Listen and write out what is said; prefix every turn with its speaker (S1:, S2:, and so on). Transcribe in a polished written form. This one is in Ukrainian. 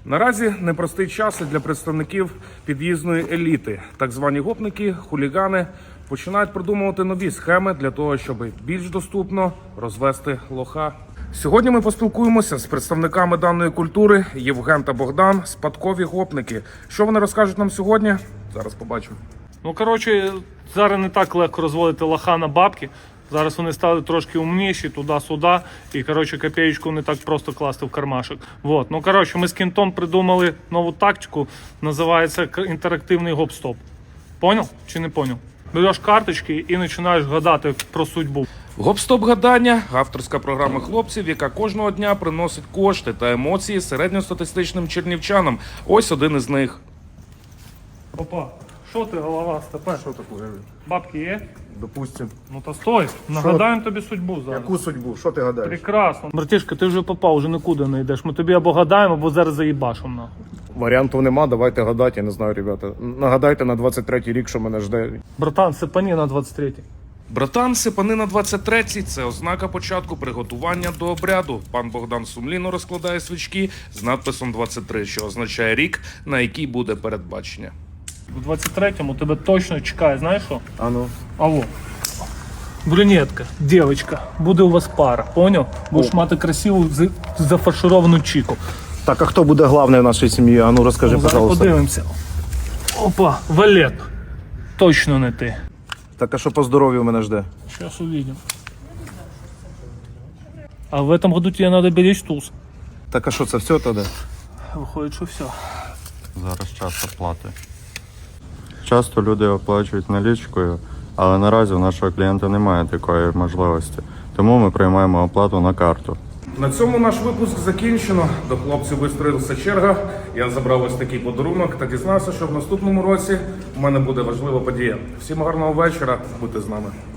S1: Наразі непростий час і для представників під'їзної еліти. Так звані гопники, хулігани починають продумувати нові схеми для того, щоб більш доступно розвести лоха. Сьогодні ми поспілкуємося з представниками даної культури Євген та Богдан, спадкові гопники. Що вони розкажуть нам сьогодні? Зараз побачимо.
S2: Ну, коротше, зараз не так легко розводити лоха на бабки. Зараз вони стали трошки умніші, туди-сюди. І, коротше, копеечку не так просто класти в кармашок. Вот. Ну, коротше, ми з Кентом придумали нову тактику. Називається інтерактивний гоп-стоп. Поняв чи не поняв? Береш карточки і починаєш гадати про судьбу.
S1: Гоп-стоп гадання – авторська програма хлопців, яка кожного дня приносить кошти та емоції середньостатистичним чернівчанам. Ось один із них.
S2: Опа, що ти, голова, степе?
S3: Що таке?
S2: Бабки є?
S3: Допустим.
S2: Ну та стой, нагадаємо тобі судьбу зараз.
S3: Яку судьбу? Що ти гадаєш?
S2: Прекрасно. Братішка, ти вже попав, вже нікуди не йдеш. Ми тобі або гадаємо, або зараз заїбашимо нахуй.
S3: Варіантів нема, давайте гадати, я не знаю, ребята. Нагадайте на 23-й рік, що мене жде.
S2: Братан, сипані на 23-й.
S1: Братан, сипани на 23-й – це ознака початку приготування до обряду. Пан Богдан сумлінно розкладає свічки з надписом 23, що означає рік, на який буде передбачення.
S2: В 23-му тебе точно чекає, знаєш що?
S3: А ну.
S2: Алло. Брюнетка, дівчинка, буде у вас пара, поняв? Будеш мати красиву зафаршировану чіку.
S3: Так, а хто буде главний в нашій сім'ї? А ну розкажи,
S2: Ну, зараз
S3: пожалуйста.
S2: подивимося. Опа, Валет. Точно не ти.
S3: Так, а що по здоров'ю мене жде?
S2: Сейчас увидим. А в этом году тебе надо беречь туз.
S3: Так, а що це все тоді?
S2: Виходить, що все.
S4: Зараз час оплати. Часто люди оплачують налічкою, але наразі у нашого клієнта немає такої можливості. Тому ми приймаємо оплату на карту.
S1: На цьому наш випуск закінчено. До хлопців вистроїлася черга. Я забрав ось такий подарунок та дізнався, що в наступному році у мене буде важлива подія. Всім гарного вечора, будьте з нами.